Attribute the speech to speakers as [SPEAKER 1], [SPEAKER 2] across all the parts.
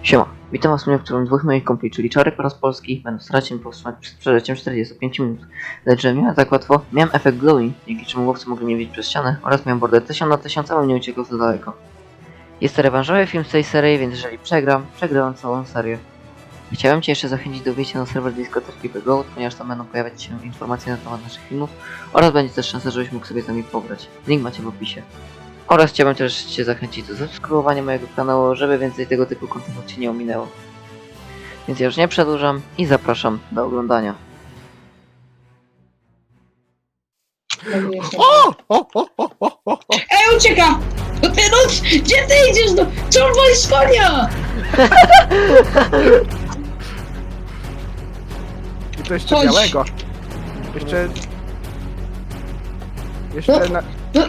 [SPEAKER 1] Siema, witam was w którym dwóch moich kumpli, czyli Czarek oraz Polski, będą starać się powstrzymać przed przeżyciem 45 minut. Lecz że miałem tak łatwo, miałem efekt glowing, dzięki czemu łowcy mogli mnie widzieć przez ścianę oraz miałem bordę 1000 na 1000, ale nie uciekł za daleko. Jest to rewanżowy film z tej serii, więc jeżeli przegrałem całą serię. Chciałem cię jeszcze zachęcić do wejścia na serwer dyskoteki Go, ponieważ tam będą pojawiać się informacje na temat naszych filmów oraz będzie też szansa, żebyś mógł sobie z nami pograć. Link macie w opisie. Oraz chciałbym też cię zachęcić do subskrybowania mojego kanału, żeby więcej tego typu kontentu cię nie ominęło. Więc ja już nie przedłużam i zapraszam do oglądania.
[SPEAKER 2] Ej, ucieka! No ty, no, gdzie ty idziesz? No, co on woli z konia?
[SPEAKER 3] I to jeszcze
[SPEAKER 2] Chodź.
[SPEAKER 3] białego. Jeszcze na...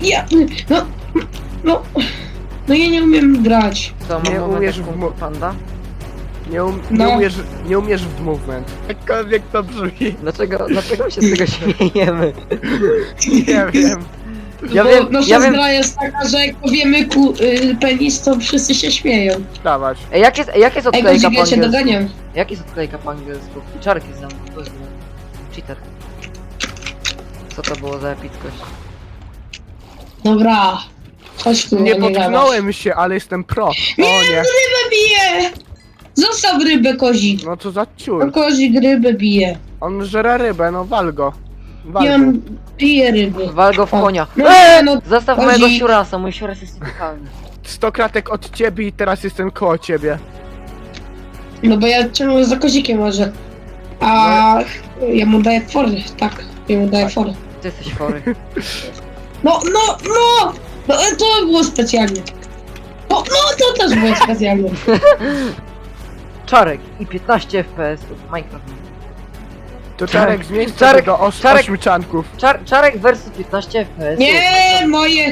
[SPEAKER 2] No ja nie umiem grać.
[SPEAKER 1] Co,
[SPEAKER 3] Nie
[SPEAKER 1] mam
[SPEAKER 3] umiesz
[SPEAKER 1] taką
[SPEAKER 3] w mo-
[SPEAKER 1] panda?
[SPEAKER 2] No.
[SPEAKER 3] nie umiesz w movement. Jakkolwiek to brzmi.
[SPEAKER 1] Dlaczego się z tego śmiejemy?
[SPEAKER 3] Nie wiem.
[SPEAKER 1] Ja
[SPEAKER 2] Bo
[SPEAKER 1] wiem,
[SPEAKER 2] nasza
[SPEAKER 1] ja wiem.
[SPEAKER 2] gra jest taka, że jak powiemy penis, to wszyscy się śmieją.
[SPEAKER 3] Dawać.
[SPEAKER 1] Ej, jak jest
[SPEAKER 2] Ej,
[SPEAKER 1] odklejka po
[SPEAKER 2] Gozik, ja cię
[SPEAKER 1] angielsku?
[SPEAKER 2] doganiam.
[SPEAKER 1] Jak jest odklejka po angielsku? I Czarek jest za mną, to jest cheater. Co to było za epickość?
[SPEAKER 2] Dobra. Chodź tu,
[SPEAKER 3] Nie
[SPEAKER 2] gadasz.
[SPEAKER 3] potknąłem się, ale jestem pro. O
[SPEAKER 2] Nie,
[SPEAKER 3] nie.
[SPEAKER 2] rybę bije! Zostaw rybę, Kozik.
[SPEAKER 3] No co za
[SPEAKER 2] No,
[SPEAKER 3] ciur.
[SPEAKER 2] Kozik rybę bije.
[SPEAKER 3] On żera rybę, no wal go. Wal
[SPEAKER 2] Ja
[SPEAKER 3] go.
[SPEAKER 2] piję ryby.
[SPEAKER 1] Wal go w konia.
[SPEAKER 2] No, no,
[SPEAKER 1] Zostaw
[SPEAKER 2] Kozik.
[SPEAKER 1] mojego siurasa, mój siuras jest nietykalny.
[SPEAKER 3] 100 kratek od ciebie i teraz jestem koło ciebie.
[SPEAKER 2] No bo ja ciągle za Kozikiem może. A ja mu daję fory, tak. Ja mu daję fory.
[SPEAKER 1] Ty jesteś chory.
[SPEAKER 2] No, to było specjalnie. No, to też było specjalnie.
[SPEAKER 1] Czarek i 15 FPS Minecraft.
[SPEAKER 3] To Czarek zmień
[SPEAKER 1] Czarek-
[SPEAKER 3] sobie do
[SPEAKER 1] Czarek-
[SPEAKER 3] 8 czanków.
[SPEAKER 1] Czarek versus 15 FPS.
[SPEAKER 2] Nie,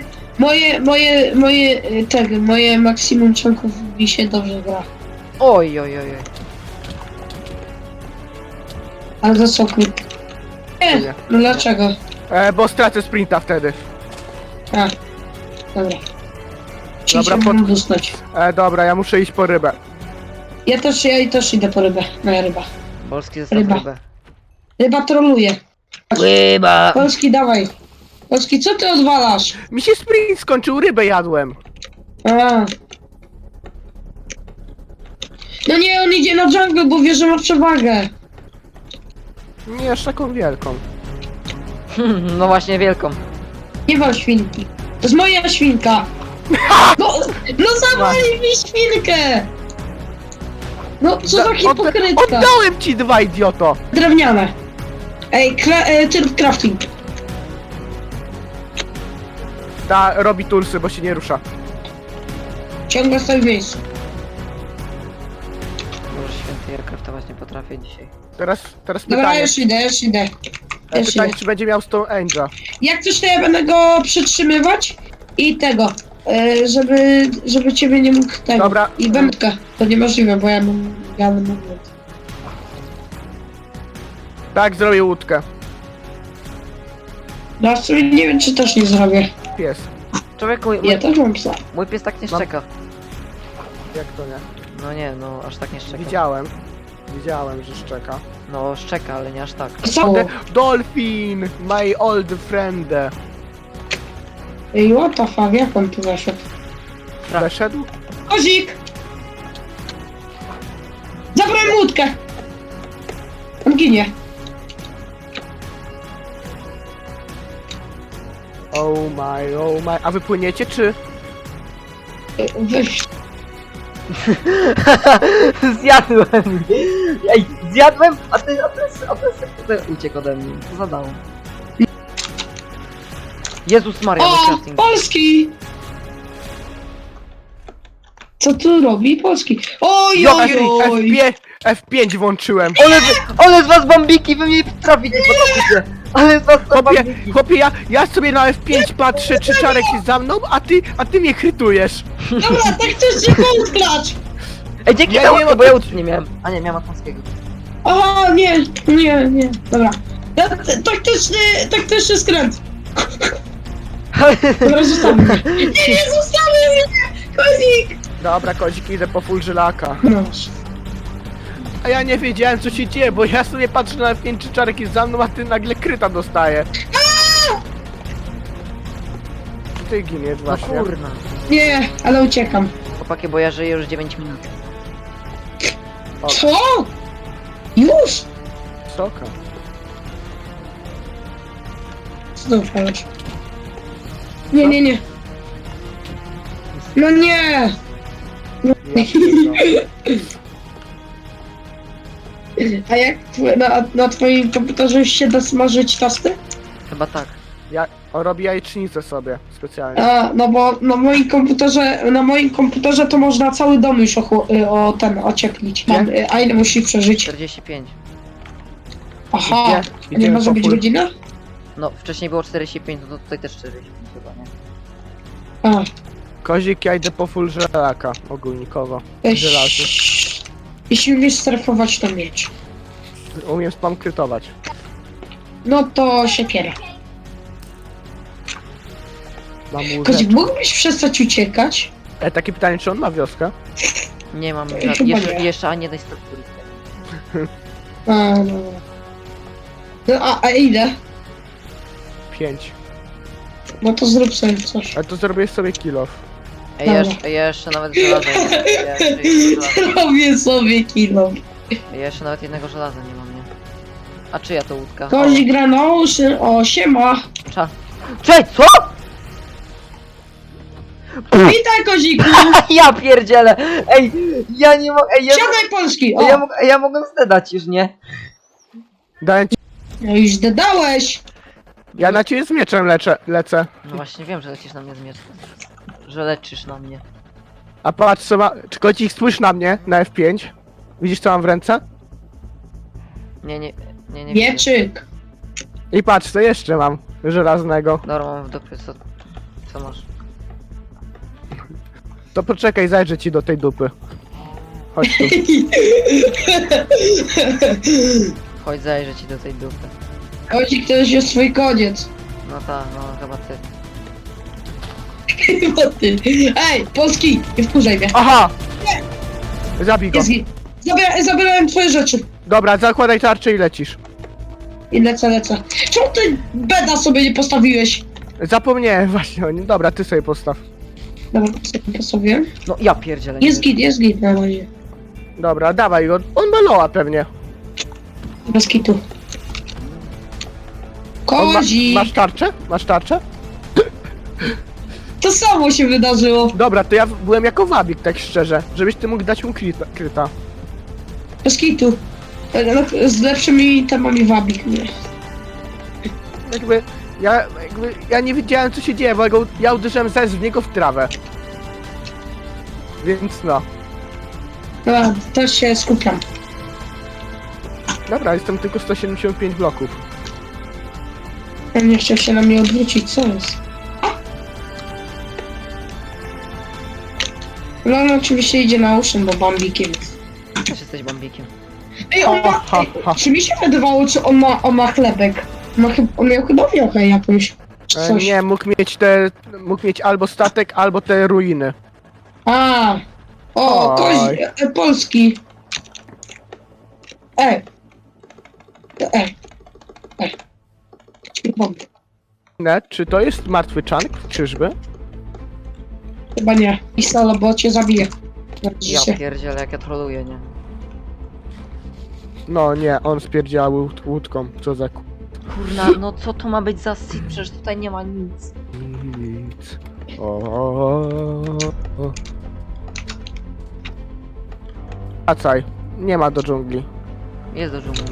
[SPEAKER 2] moje maksimum członków mi się dobrze gra.
[SPEAKER 1] Oj.
[SPEAKER 2] Ale to są krótkie. Nie, no dlaczego?
[SPEAKER 3] Bo stracę sprinta wtedy.
[SPEAKER 2] A, dobra.
[SPEAKER 3] Dobra,
[SPEAKER 2] Chciałbym dostać.
[SPEAKER 3] Dobra, ja muszę iść po rybę.
[SPEAKER 2] Ja też idę po rybę. Moja ryba.
[SPEAKER 1] Polski zostaw
[SPEAKER 2] Ryba.
[SPEAKER 1] rybę.
[SPEAKER 2] Ryba troluje.
[SPEAKER 1] Ryba!
[SPEAKER 2] Polski, dawaj. Polski, co ty odwalasz?
[SPEAKER 3] Mi się sprint skończył, rybę jadłem.
[SPEAKER 2] A. No nie, on idzie na jungle, bo wie, że ma przewagę.
[SPEAKER 3] Nie aż taką wielką.
[SPEAKER 1] No właśnie wielką.
[SPEAKER 2] Nie wal świnki. To jest moja świnka. No zawali mi świnkę. No co za hipokrytka.
[SPEAKER 3] Oddałem ci dwa, idioto!
[SPEAKER 2] Drewniane. Ej, tryb crafting.
[SPEAKER 3] Ta robi tulsy, bo się nie rusza.
[SPEAKER 2] Ciągle stoi w miejscu.
[SPEAKER 1] Może święty, ja kraftować nie potrafię dzisiaj.
[SPEAKER 3] Teraz
[SPEAKER 2] Dobra,
[SPEAKER 3] pytanie.
[SPEAKER 2] już idę. Już
[SPEAKER 3] Pytanie,
[SPEAKER 2] idę.
[SPEAKER 3] czy będzie miał Stone Ange'a.
[SPEAKER 2] Jak coś, to ja będę go przytrzymywać i tego, żeby ciebie nie mógł tego.
[SPEAKER 3] Dobra.
[SPEAKER 2] I wędkę. To niemożliwe, bo ja mam moment.
[SPEAKER 3] Tak, zrobię łódkę.
[SPEAKER 2] No w sumie nie wiem, czy też nie zrobię.
[SPEAKER 3] Pies.
[SPEAKER 1] Człowieku,
[SPEAKER 2] Ja też mam psa.
[SPEAKER 1] mój pies tak nie
[SPEAKER 3] Mam-
[SPEAKER 1] szczeka.
[SPEAKER 3] Jak to nie?
[SPEAKER 1] No nie, no aż tak nie szczeka.
[SPEAKER 3] Widziałem, że szczeka.
[SPEAKER 1] No szczeka, ale nie aż tak.
[SPEAKER 2] Co?
[SPEAKER 3] Dolphin! My old friend!
[SPEAKER 2] Ej, what the fuck, jak on tu weszedł?
[SPEAKER 1] Tak.
[SPEAKER 3] Weszedł?
[SPEAKER 2] Kozik! Zabrałem łódkę! On ginie.
[SPEAKER 3] Oh my. A wy płyniecie, czy?
[SPEAKER 2] Weź.
[SPEAKER 1] Zjadłem! Ej, zjadłem, a ty uciekł ode mnie. Co zadało? Jezus Maria, mój
[SPEAKER 2] O!
[SPEAKER 1] crafting.
[SPEAKER 2] Polski! Co tu robi Polski? Oj,
[SPEAKER 3] Jo,
[SPEAKER 2] oj, oj!
[SPEAKER 3] F5 włączyłem.
[SPEAKER 1] Ale z was bambiki, wy mnie trafić nie potraficie! Ale z was to bambiki!
[SPEAKER 3] Chłopie, ja sobie na F5 patrzę, czy Czarek jest za mną, a ty mnie krytujesz.
[SPEAKER 2] Dobra, tak chcesz się podklacz!
[SPEAKER 1] Ej, dzięki
[SPEAKER 3] Ja
[SPEAKER 1] za
[SPEAKER 3] nie
[SPEAKER 1] łódkę,
[SPEAKER 3] mam-
[SPEAKER 1] bo ja łódki nie miałem. A nie, miałem atlanskiego.
[SPEAKER 2] Aha, nie, dobra. Taktyczny skręt. Dobra, zostawmy mnie. Nie, zostawmy mnie! Kozik!
[SPEAKER 3] Dobra, kozik, idę po full żylaka.
[SPEAKER 2] No.
[SPEAKER 3] A ja nie wiedziałem co się dzieje, bo ja sobie patrzę na F5 czy Czarek jest za mną, a ty nagle kryta dostaje. Ty giniesz
[SPEAKER 1] No
[SPEAKER 3] właśnie.
[SPEAKER 1] kurna.
[SPEAKER 2] Nie, ale uciekam.
[SPEAKER 1] Chłopaki, bo ja żyję już 9 minut.
[SPEAKER 2] Co? Już?
[SPEAKER 3] Soka.
[SPEAKER 2] Znów koleś. Nie, nie, nie. No nie!
[SPEAKER 3] Ja pierdolę.
[SPEAKER 2] A jak na twoim komputerze już się da smażyć tosty?
[SPEAKER 1] Chyba tak.
[SPEAKER 3] Ja robię jajecznicę sobie specjalnie.
[SPEAKER 2] A, no bo na moim komputerze to można cały dom już ocieplić.
[SPEAKER 3] Nie?
[SPEAKER 2] A ile musi przeżyć?
[SPEAKER 1] 45.
[SPEAKER 2] Aha,
[SPEAKER 3] Gdzie?
[SPEAKER 2] a nie
[SPEAKER 3] Idziemy
[SPEAKER 2] może
[SPEAKER 3] po
[SPEAKER 2] być
[SPEAKER 3] full.
[SPEAKER 2] godzina?
[SPEAKER 1] No, wcześniej było 45, no to tutaj też 45 chyba, nie?
[SPEAKER 2] A,
[SPEAKER 3] Kozik, ja idę po full żelaka ogólnikowo. Żelazy.
[SPEAKER 2] jeśli umiesz strefować, to miecz.
[SPEAKER 3] Umiem spam krytować.
[SPEAKER 2] No to siekiera.
[SPEAKER 3] Mam
[SPEAKER 2] Kozik,
[SPEAKER 3] łóżeczkę.
[SPEAKER 2] mógłbyś przestać uciekać?
[SPEAKER 3] Takie pytanie, czy on ma wioskę?
[SPEAKER 1] Nie mam
[SPEAKER 2] Chyba nie.
[SPEAKER 1] jeszcze ani jednej struktury.
[SPEAKER 2] A, no. No, a ile?
[SPEAKER 3] 5.
[SPEAKER 2] No to zrób sobie coś.
[SPEAKER 3] Ale to zrobię sobie kill off.
[SPEAKER 1] Ja jeszcze nawet żelaza nie mam.
[SPEAKER 2] Robię sobie kilo.
[SPEAKER 1] Ja jeszcze nawet jednego żelaza nie mam, nie? A czyja to łódka?
[SPEAKER 2] Kozik gra na Ocean, o siema.
[SPEAKER 1] Cześć, co?
[SPEAKER 2] Witaj Koziku!
[SPEAKER 1] Ja pierdzielę! Ej, ja nie mogę,
[SPEAKER 2] Siadaj Polski! O!
[SPEAKER 1] ja mogę zdedać już, nie?
[SPEAKER 3] Daję ci...
[SPEAKER 2] No już dodałeś!
[SPEAKER 3] Ja na ciebie z mieczem lecę.
[SPEAKER 1] No właśnie wiem, że lecisz na mnie z mieczem. Że leczysz na mnie.
[SPEAKER 3] A patrz co ma... Czy Kocik spójrz na mnie, na F5. Widzisz co mam w ręce?
[SPEAKER 1] Nie widzę.
[SPEAKER 2] Wieczyk!
[SPEAKER 3] I patrz co jeszcze mam żelaznego.
[SPEAKER 1] Dobra, mam w dupie, co masz?
[SPEAKER 3] To poczekaj, zajrzę ci do tej dupy. Chodź tu.
[SPEAKER 1] Chodź, zajrzę ci do tej dupy.
[SPEAKER 2] Kozik to już jest twój koniec.
[SPEAKER 1] No tak, no chyba ty.
[SPEAKER 2] Chyba ty. Ej, Polski! Nie wkurzaj mnie.
[SPEAKER 3] Aha! Zabij go.
[SPEAKER 2] Jest git. Zabierałem twoje rzeczy.
[SPEAKER 3] Dobra, zakładaj tarczę i lecisz.
[SPEAKER 2] I lecę. Czemu ty beda sobie nie postawiłeś?
[SPEAKER 3] Zapomniałem właśnie o nim. Dobra, ty sobie postaw.
[SPEAKER 2] Dobra, sobie postawiłem.
[SPEAKER 1] No ja pierdzielę.
[SPEAKER 2] Jest git na razie.
[SPEAKER 3] Dobra, dawaj go. On ma loa pewnie.
[SPEAKER 2] Bez kitu.
[SPEAKER 3] On
[SPEAKER 2] Kozik!
[SPEAKER 3] masz tarczę? Masz tarczę?
[SPEAKER 2] To samo się wydarzyło.
[SPEAKER 3] Dobra, to ja byłem jako wabik, tak szczerze. Żebyś ty mógł dać mu kryta.
[SPEAKER 2] Bez kitu. Z lepszymi temami wabik mnie.
[SPEAKER 3] Ja nie wiedziałem co się dzieje, bo ja uderzyłem zaraz w niego w trawę. Więc no.
[SPEAKER 2] Dobra, też się skupiam.
[SPEAKER 3] Dobra, jestem tylko 175 bloków.
[SPEAKER 2] Ja nie chciał się na mnie odwrócić, co jest? No on oczywiście idzie na Ocean, bo bambikiem.
[SPEAKER 1] Też jesteś bambikiem.
[SPEAKER 2] Ej, on ma...
[SPEAKER 3] Ha, ha.
[SPEAKER 2] Czy mi się wydawało, czy on ma chlebek? On miał chyba wiochę jakąś. Czy coś.
[SPEAKER 3] Nie, mógł mieć albo statek, albo te ruiny.
[SPEAKER 2] A, o,
[SPEAKER 3] Oj.
[SPEAKER 2] Polski. Ej.
[SPEAKER 3] Nie, czy to jest martwy czank? Czyżby?
[SPEAKER 2] Chyba nie. Pisala, bo cię zabije.
[SPEAKER 1] Ja pierdzielę, jak ja troluję, nie?
[SPEAKER 3] No nie, on spierdział łódką, co za
[SPEAKER 1] Kurna, no co to ma być za sit? Przecież tutaj nie ma nic.
[SPEAKER 3] nic. O. Wracaj, nie ma do dżungli.
[SPEAKER 1] Jest do dżungli.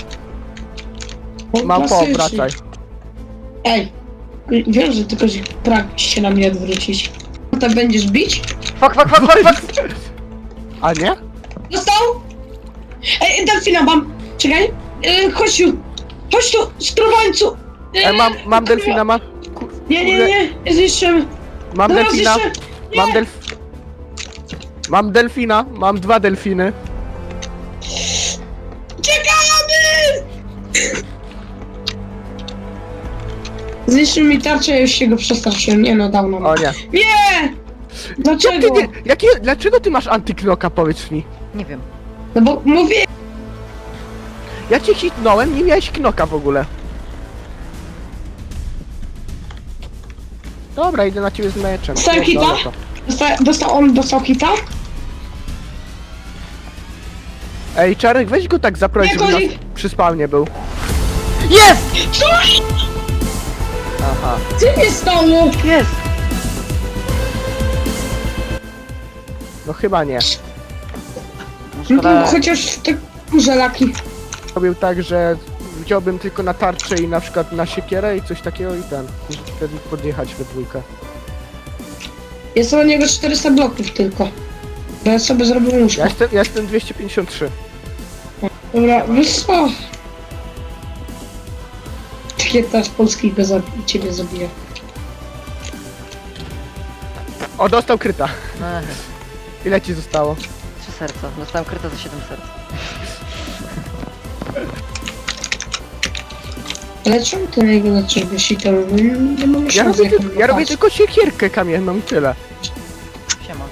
[SPEAKER 3] Mam wracaj.
[SPEAKER 2] Ej, wiem, że tylko pragniesz się na mnie odwrócić. Potem będziesz bić?
[SPEAKER 1] Fuck!
[SPEAKER 3] A nie?
[SPEAKER 2] Dostał? Ej, delfina mam! Czekaj! Chodź tu, skrobańcu!
[SPEAKER 3] Mam delfina,
[SPEAKER 2] Nie, zniszczymy.
[SPEAKER 3] mam
[SPEAKER 2] Dobra,
[SPEAKER 3] delfina,
[SPEAKER 2] zniszczę.
[SPEAKER 3] mam delfina, mam 2 delfiny.
[SPEAKER 2] Czekamy! Zniszczył mi tarczę, ja już się go przestraszyłem. Nie no, dawno.
[SPEAKER 3] O nie.
[SPEAKER 2] Nie! Dlaczego?
[SPEAKER 3] Dlaczego ty masz antyknoka, powiedz mi?
[SPEAKER 1] Nie wiem.
[SPEAKER 2] No bo mówię,
[SPEAKER 3] Ja cię hitnąłem, nie miałeś knoka w ogóle. Dobra, idę na ciebie z meczem.
[SPEAKER 2] Dostałem hita?
[SPEAKER 3] Dobra to.
[SPEAKER 2] dostał hita?
[SPEAKER 3] Ej, Czarek, weź go tak zaproś,
[SPEAKER 2] Nie,
[SPEAKER 3] żeby nas
[SPEAKER 2] Kozik!
[SPEAKER 3] przy spawnie był.
[SPEAKER 1] Jest!
[SPEAKER 2] Co?
[SPEAKER 1] Aha.
[SPEAKER 2] Co się stało?
[SPEAKER 1] Jest!
[SPEAKER 3] No chyba nie.
[SPEAKER 1] No
[SPEAKER 2] No
[SPEAKER 1] szkoda...
[SPEAKER 2] to chociaż te kurze laki.
[SPEAKER 3] Robił tak, że wziąłbym tylko na tarczę i na przykład na siekierę i coś takiego i ten. I wtedy podjechać we dwójkę.
[SPEAKER 2] Jest u niego 400 bloków tylko. Bo ja sobie zrobię łóżko.
[SPEAKER 3] Ja jestem 253.
[SPEAKER 2] Dobra, wiesz co? Takie teraz polskiego ciebie zabije.
[SPEAKER 3] O, dostał kryta.
[SPEAKER 1] Ech,
[SPEAKER 3] Ile ci zostało?
[SPEAKER 1] 3 serca. Dostałem kryta za 7 serc.
[SPEAKER 2] Ale czemu ty na niego zaczęłeś i to nie mamy
[SPEAKER 3] Ja
[SPEAKER 2] szans
[SPEAKER 3] robię,
[SPEAKER 2] jak on
[SPEAKER 3] ja robię
[SPEAKER 2] popatrzy.
[SPEAKER 3] tylko siekierkę kamienną i tyle.
[SPEAKER 1] Siema.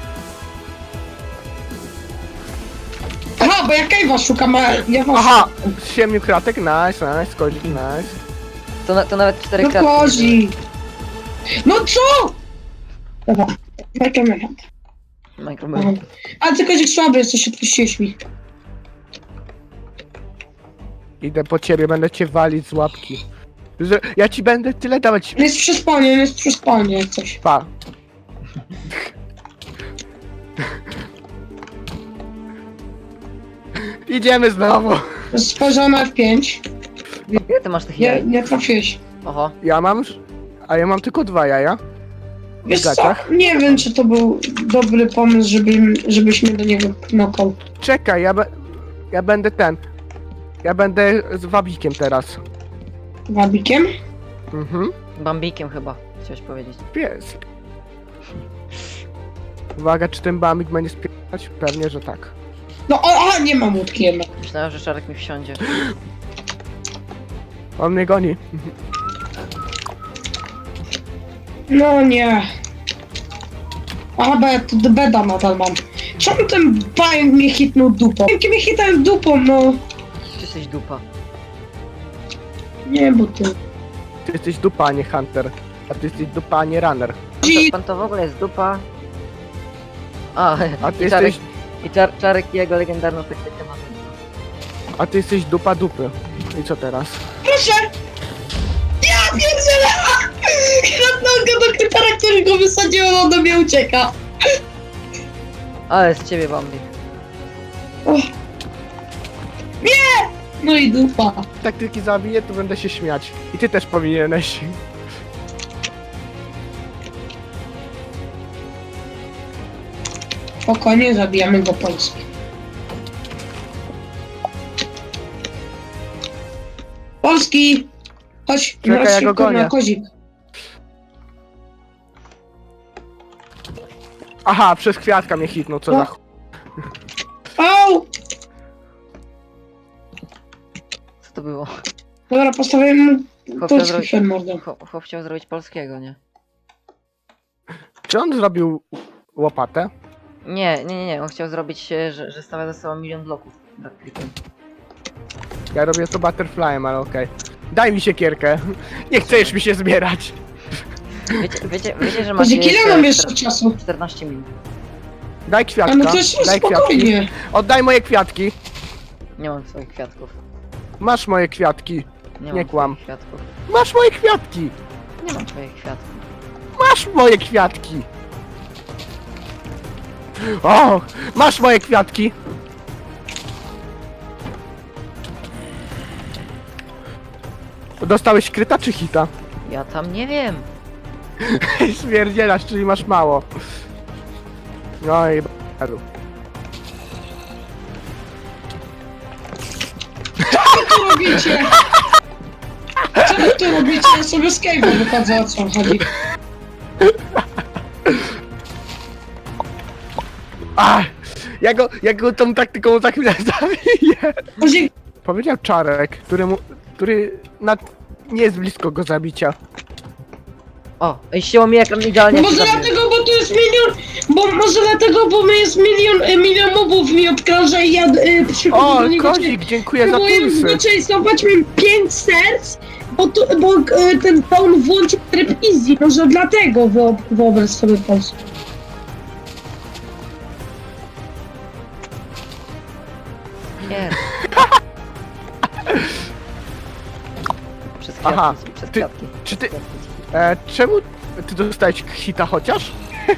[SPEAKER 2] Aha, bo ja Kejwa szukam, a ja was
[SPEAKER 3] Aha!
[SPEAKER 2] szukam.
[SPEAKER 3] 7 kratek, nice, kozik, nice.
[SPEAKER 1] To nawet 4
[SPEAKER 2] No
[SPEAKER 1] kratki.
[SPEAKER 2] kozi! No co? Dobra, Microman.
[SPEAKER 1] Microman.
[SPEAKER 2] A ty kozik słaby jesteś, odpuściłeś mi.
[SPEAKER 3] Idę po ciebie, będę cię walić z łapki. Że ja ci będę tyle dawać.
[SPEAKER 2] On jest przy spawnie, on jest przy spawnie jak coś.
[SPEAKER 3] Pa. Idziemy znowu.
[SPEAKER 2] Spojrzał na F5.
[SPEAKER 1] Ile ty masz tych jaj?
[SPEAKER 2] Nie trafiłeś.
[SPEAKER 1] Oho.
[SPEAKER 3] Ja mam... A ja mam tylko 2 jaja. W
[SPEAKER 2] Wiesz co,
[SPEAKER 3] gaciach.
[SPEAKER 2] nie wiem czy to był dobry pomysł, żebyś mnie do niego knokał.
[SPEAKER 3] Czekaj, ja będę ten. Ja będę z wabikiem teraz.
[SPEAKER 2] Wabikiem?
[SPEAKER 3] Mhm.
[SPEAKER 1] Bambikiem chyba. Chciałeś powiedzieć.
[SPEAKER 3] Pies. Uwaga, czy ten bambik będzie spierdać? Pewnie, że tak.
[SPEAKER 2] No aha, nie mam łódki jednak.
[SPEAKER 1] Myślałem, że Czarek mi wsiądzie.
[SPEAKER 3] On mnie goni.
[SPEAKER 2] No nie. Aha, bo ja tu do beda nadal mam. Czemu ten pająk mnie hitnął dupą? Jakie mnie hitałem dupą, no.
[SPEAKER 1] Ty jesteś dupa.
[SPEAKER 2] Nie, bo ty.
[SPEAKER 3] Ty jesteś dupa, a nie hunter. A ty jesteś dupa, a nie runner.
[SPEAKER 1] Pan to w ogóle jest dupa. A,
[SPEAKER 3] A ty
[SPEAKER 1] i Czarek,
[SPEAKER 3] jesteś...
[SPEAKER 1] Czarek i jego legendarną taktykę ma.
[SPEAKER 3] A ty jesteś dupa dupy. I co teraz?
[SPEAKER 2] Proszę! Ja pierdzielę! Kradnął go do krytara, który go wysadził, a on do mnie ucieka.
[SPEAKER 1] Ale z ciebie bambik.
[SPEAKER 2] No i dupa.
[SPEAKER 3] Taktyki zabiję, to będę się śmiać. I ty też powinieneś.
[SPEAKER 2] Spokojnie, zabijamy go Polski. Polski! Chodź,
[SPEAKER 3] Czekaj,
[SPEAKER 2] na
[SPEAKER 3] ja go
[SPEAKER 2] szybko
[SPEAKER 3] gonię.
[SPEAKER 2] na kozik.
[SPEAKER 3] Aha, przez kwiatka mnie hitnął, co
[SPEAKER 2] No.
[SPEAKER 3] za ch...
[SPEAKER 2] Au!
[SPEAKER 1] Co to było?
[SPEAKER 2] Dobra, postawię mu
[SPEAKER 1] Chłop
[SPEAKER 2] Polski
[SPEAKER 1] chciał,
[SPEAKER 2] przed mordą.
[SPEAKER 1] chłop chciał zrobić polskiego, nie?
[SPEAKER 3] Czy on zrobił łopatę?
[SPEAKER 1] Nie. On chciał zrobić, że stawia za sobą 1 000 000 bloków. Tak, klikiem.
[SPEAKER 3] Ja robię to butterflyem, ale okej. Daj mi siekierkę. Nie chcesz mi się zbierać.
[SPEAKER 1] Wiecie, że macie
[SPEAKER 2] Kozik, ile mam jeszcze czasu?
[SPEAKER 1] 14 minut.
[SPEAKER 3] Daj
[SPEAKER 2] A
[SPEAKER 3] kwiatka.
[SPEAKER 2] no to jest
[SPEAKER 3] Daj kwiatki.
[SPEAKER 2] spokojnie.
[SPEAKER 3] Oddaj moje kwiatki.
[SPEAKER 1] Nie mam swoich kwiatków.
[SPEAKER 3] Masz moje kwiatki.
[SPEAKER 1] Nie
[SPEAKER 3] Nie
[SPEAKER 1] mam
[SPEAKER 3] kłam.
[SPEAKER 1] swoich kwiatków.
[SPEAKER 3] Masz moje kwiatki.
[SPEAKER 1] Nie mam twoich kwiatków.
[SPEAKER 3] Masz moje kwiatki. O! Masz moje kwiatki. Dostałeś kryta czy hita?
[SPEAKER 1] Ja tam nie wiem.
[SPEAKER 3] Śmierdzielasz, czyli masz mało. No i b***u.
[SPEAKER 2] Co tu robicie? Co wy tu robicie? Ja sobie z Cave'a wychodzę, o co chodzi.
[SPEAKER 3] Ach, ja go tą taktyką za chwilę zabiję.
[SPEAKER 2] Kozik,
[SPEAKER 3] Powiedział Czarek, który nie jest blisko go zabicia.
[SPEAKER 1] O, ścięło mi ekran idealnie.
[SPEAKER 2] no
[SPEAKER 1] jak
[SPEAKER 2] może
[SPEAKER 1] się zabiłem.
[SPEAKER 2] dlatego, bo tu jest jest milion, bo może dlatego, bo my jest milion mobów mi obkrąża i ja przychodzę
[SPEAKER 3] O,
[SPEAKER 2] do niego.
[SPEAKER 3] Kozik, dziękuję za
[SPEAKER 2] Próbuję
[SPEAKER 3] pulsy.
[SPEAKER 2] zaczęstować mi 5 serc, bo ten on włączył tryb easy, może dlatego wyobraź sobie Polskę.
[SPEAKER 1] Nie. Przez
[SPEAKER 3] Aha,
[SPEAKER 1] kwiatki, przez
[SPEAKER 3] ty-
[SPEAKER 1] kwiatki.
[SPEAKER 3] czy ty- Czemu ty dostałeś hita chociaż?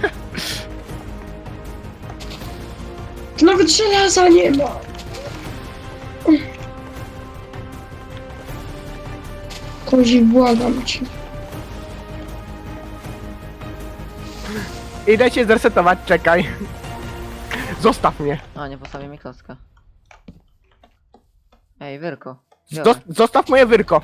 [SPEAKER 2] Nawet żelaza nie ma. Kozik, błagam cię.
[SPEAKER 3] Idę cię zresetować, czekaj. Zostaw mnie.
[SPEAKER 1] A, nie postawię mi klocka. Ej, Wyrko.
[SPEAKER 3] Zostaw moje wyrko.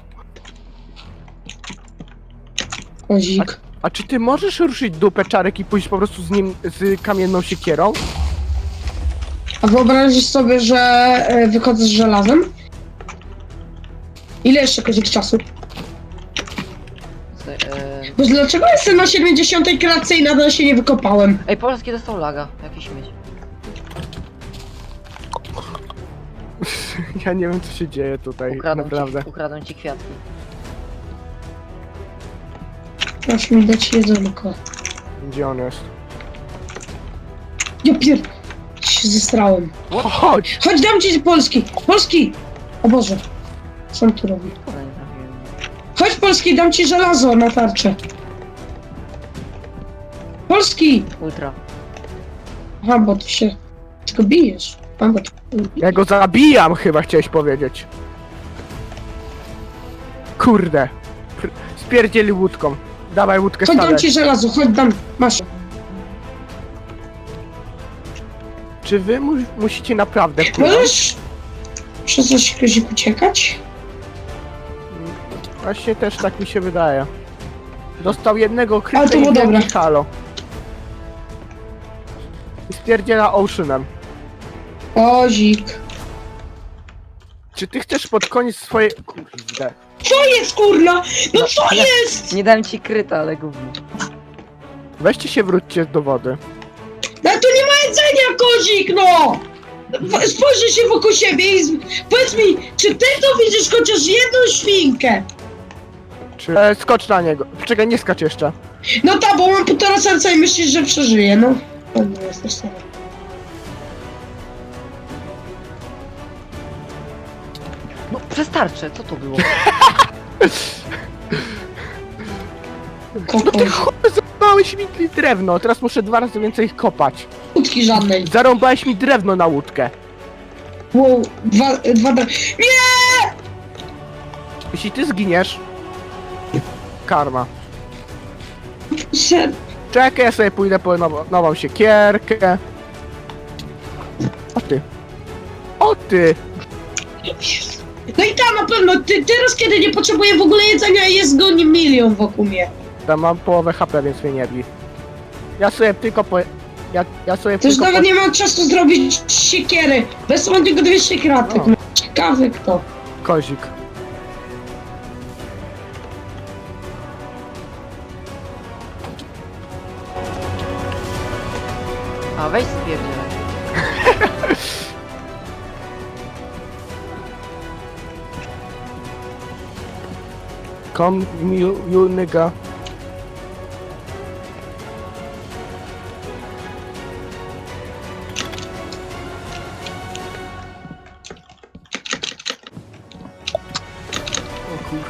[SPEAKER 2] Kozik.
[SPEAKER 3] A czy ty możesz ruszyć dupę Czarek i pójść po prostu z nim, z kamienną siekierą?
[SPEAKER 2] A wyobrazisz sobie, że wychodzę z żelazem? Ile jeszcze Kozik czasu? Bo dlaczego jestem na 70 klatce i nadal się nie wykopałem?
[SPEAKER 1] Ej, Polski dostał laga. Jakiś śmieć.
[SPEAKER 3] Ja nie wiem co się dzieje tutaj, naprawdę.
[SPEAKER 1] Ukradłem ci kwiatki.
[SPEAKER 2] Proszę mi dać jedzonko.
[SPEAKER 3] Gdzie on jest?
[SPEAKER 2] Ja się zestrałem.
[SPEAKER 3] Chodź!
[SPEAKER 2] Chodź, dam ci Polski! Polski! O Boże. Co on tu robi?
[SPEAKER 1] Kurde, nie trafiłem.
[SPEAKER 2] Chodź Polski, dam ci żelazo na tarczę. Polski!
[SPEAKER 1] Ultra.
[SPEAKER 2] Aha, bo ty się... tylko bijesz. A, bo ty...
[SPEAKER 3] Ja go zabijam chyba chciałeś powiedzieć. Kurde. Spierdzieli łódką. Dawaj łódkę
[SPEAKER 2] Chodź, dam
[SPEAKER 3] stawiać.
[SPEAKER 2] ci żelazo, chodź, dam. Masz.
[SPEAKER 3] Czy wy musicie naprawdę płynąć?
[SPEAKER 2] Możesz... Przez coś Kozik uciekać?
[SPEAKER 3] Właśnie też tak mi się wydaje. Dostał jednego
[SPEAKER 2] Ale
[SPEAKER 3] kryta
[SPEAKER 2] to
[SPEAKER 3] i
[SPEAKER 2] było dobre.
[SPEAKER 3] wielki halo. I spierdziela Oceanem.
[SPEAKER 2] Kozik.
[SPEAKER 3] Czy ty chcesz pod koniec swojej... Kurde.
[SPEAKER 2] Co jest, kurna? No co jest?
[SPEAKER 1] Nie dałem ci kryta, ale gówno.
[SPEAKER 3] Weźcie się, wróćcie do wody.
[SPEAKER 2] No tu nie ma jedzenia, Kozik, no! Spojrzyj się wokół siebie i powiedz mi, czy ty tu widzisz chociaż jedną świnkę?
[SPEAKER 3] Czy... skocz na niego. Czekaj, nie skacz jeszcze.
[SPEAKER 2] No tak, bo mam 1,5 serca i myślisz, że przeżyję, no. To nie jesteś sam.
[SPEAKER 1] No, przez tarczę, co to było?
[SPEAKER 3] No ty chłopie, zarąbałeś mi drewno. Teraz muszę 2 razy więcej ich kopać.
[SPEAKER 2] Łódki żadnej.
[SPEAKER 3] Zarąbałeś mi drewno na łódkę.
[SPEAKER 2] Wow, dwa...
[SPEAKER 3] Jeśli ty zginiesz... Karma.
[SPEAKER 2] Ser...
[SPEAKER 3] Czekaj, ja sobie pójdę po nową siekierkę. O ty. O ty!
[SPEAKER 2] No i tam na pewno, teraz kiedy nie potrzebuję w ogóle jedzenia, jest go 1 milion wokół mnie.
[SPEAKER 3] Tam mam połowę HP, więc mnie nie bij. Ja sobie tylko po... Ja sobie
[SPEAKER 2] To już
[SPEAKER 3] tylko
[SPEAKER 2] nawet nie mam czasu zrobić siekiery. Bez mam tylko 200 kratek.
[SPEAKER 3] No.
[SPEAKER 2] Ciekawy kto.
[SPEAKER 3] Kozik.
[SPEAKER 1] A, weź spierdzielaj.
[SPEAKER 3] Come you nigga. O kur...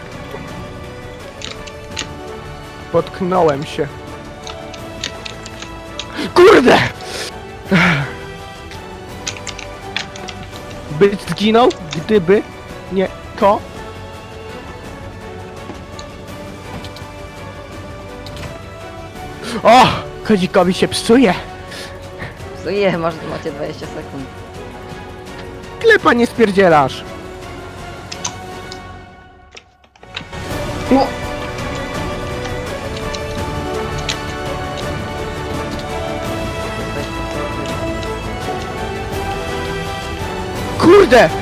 [SPEAKER 3] Potknąłem się. Kurde! Byś zginął, gdyby nie to. O! Kozikowi się psuje.
[SPEAKER 1] Co je, macie 20 sekund.
[SPEAKER 3] Klepa nie spierdzielasz.
[SPEAKER 2] No,
[SPEAKER 3] Kurde!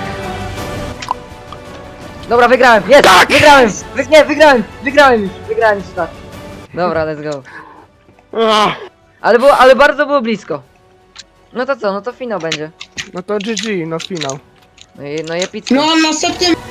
[SPEAKER 1] Dobra, wygrałem! Jest!
[SPEAKER 3] Tak!
[SPEAKER 1] Wygrałem! Wygrałem już! Wygrałem już, tak. Dobra, let's go.
[SPEAKER 3] Ach,
[SPEAKER 1] Ale bardzo było blisko. No to co, no to finał będzie.
[SPEAKER 3] No to GG, no finał.
[SPEAKER 1] No i epicko.
[SPEAKER 2] No a następnym